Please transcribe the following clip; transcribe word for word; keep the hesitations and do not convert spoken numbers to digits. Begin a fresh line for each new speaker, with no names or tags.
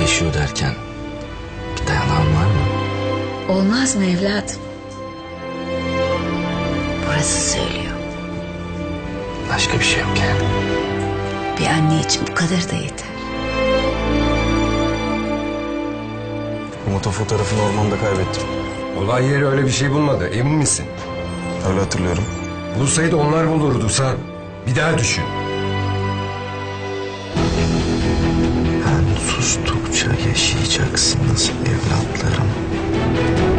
yaşıyor derken bir dayanağın var mı?
Olmaz mı evladım? Burası söylüyor.
Başka bir şey yok yani.
Bir anne için bu kadar da yeter.
Umut'un fotoğrafını ormanda kaybettim.
Olay yeri öyle bir şey bulmadı. Emin misin?
Öyle hatırlıyorum.
Bulsaydı onlar bulurdu sen. Bir daha düşün.
Ben sustukça yaşayacaksınız evlatlarım.